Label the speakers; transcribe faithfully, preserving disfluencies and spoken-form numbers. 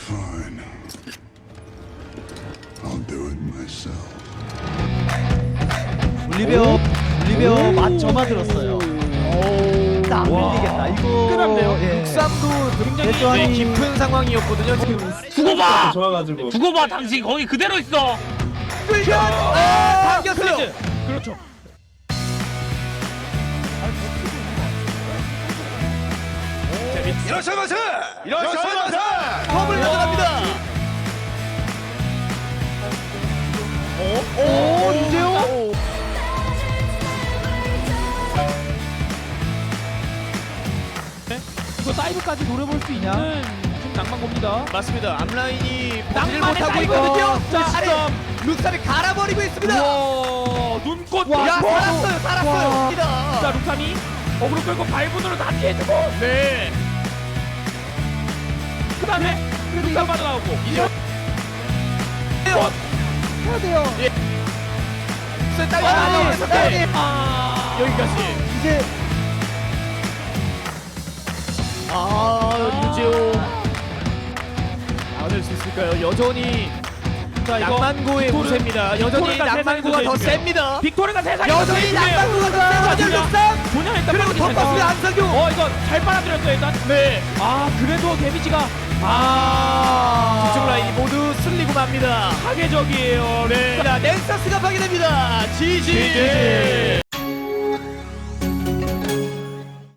Speaker 1: Fine. I'll do it myself.
Speaker 2: 올리베어 올리베어 맛 점아들었어요. 안 밀리겠다. 이거
Speaker 3: 끝났네요.
Speaker 2: 예.
Speaker 3: 육삼도 굉장히
Speaker 2: 대전이-
Speaker 3: 깊은 상황이었거든요. 지금
Speaker 4: 두고 봐.
Speaker 5: 좋아가지고
Speaker 4: 두고 봐. 당신 거기 그대로 있어.
Speaker 3: 끌려 아, 당겼어요. 그렇죠.
Speaker 5: 일어서마세! 일어서마세!
Speaker 3: 컵을 가져갑니다.
Speaker 2: 오, 이제요?
Speaker 3: 이거 사이드까지 노려볼 수 있는 지금 낭만고입니다. 맞습니다. 앞라인이 낭만을 못하고 있거든요. 자, 아래 룩삼이 갈아버리고 있습니다. 와, 눈꽃.
Speaker 2: 와,
Speaker 3: 야,
Speaker 2: 와,
Speaker 3: 살았어요,
Speaker 2: 와.
Speaker 3: 살았어요. 자, 룩삼이 어그로 끌고 발분으로 다 피해주고. 네. 그 다음에 룩삼 빠져나오고. 이제
Speaker 2: 해야 돼요.
Speaker 3: 딸기
Speaker 2: 아니,
Speaker 3: 나오면서
Speaker 2: 딸기.
Speaker 3: 아, 여기까지.
Speaker 2: 이제
Speaker 3: 아, 유재호 안을 수 있을까요? 여전히 자, 낭만고의
Speaker 6: 빅토르-
Speaker 3: 우세입니다. 여전히
Speaker 6: 빅토르가
Speaker 3: 낭만고가 더
Speaker 6: 세상에서
Speaker 3: 셉니다.
Speaker 6: 빅토르가 세상에
Speaker 3: 여전히 낭만고가 더 세죠. 룩삼
Speaker 6: 분양했다.
Speaker 3: 그리고 덮었습니다. 안석규.
Speaker 6: 어 이거 잘 빨아들였어요 일단.
Speaker 3: 네.
Speaker 6: 아 그래도 데미지가
Speaker 3: 아, 뒤쪽 라인이 모두 쓸리고 맙니다.
Speaker 6: 파괴적이에요.
Speaker 3: 네. 자, 넥서스가 파괴됩니다. 지지.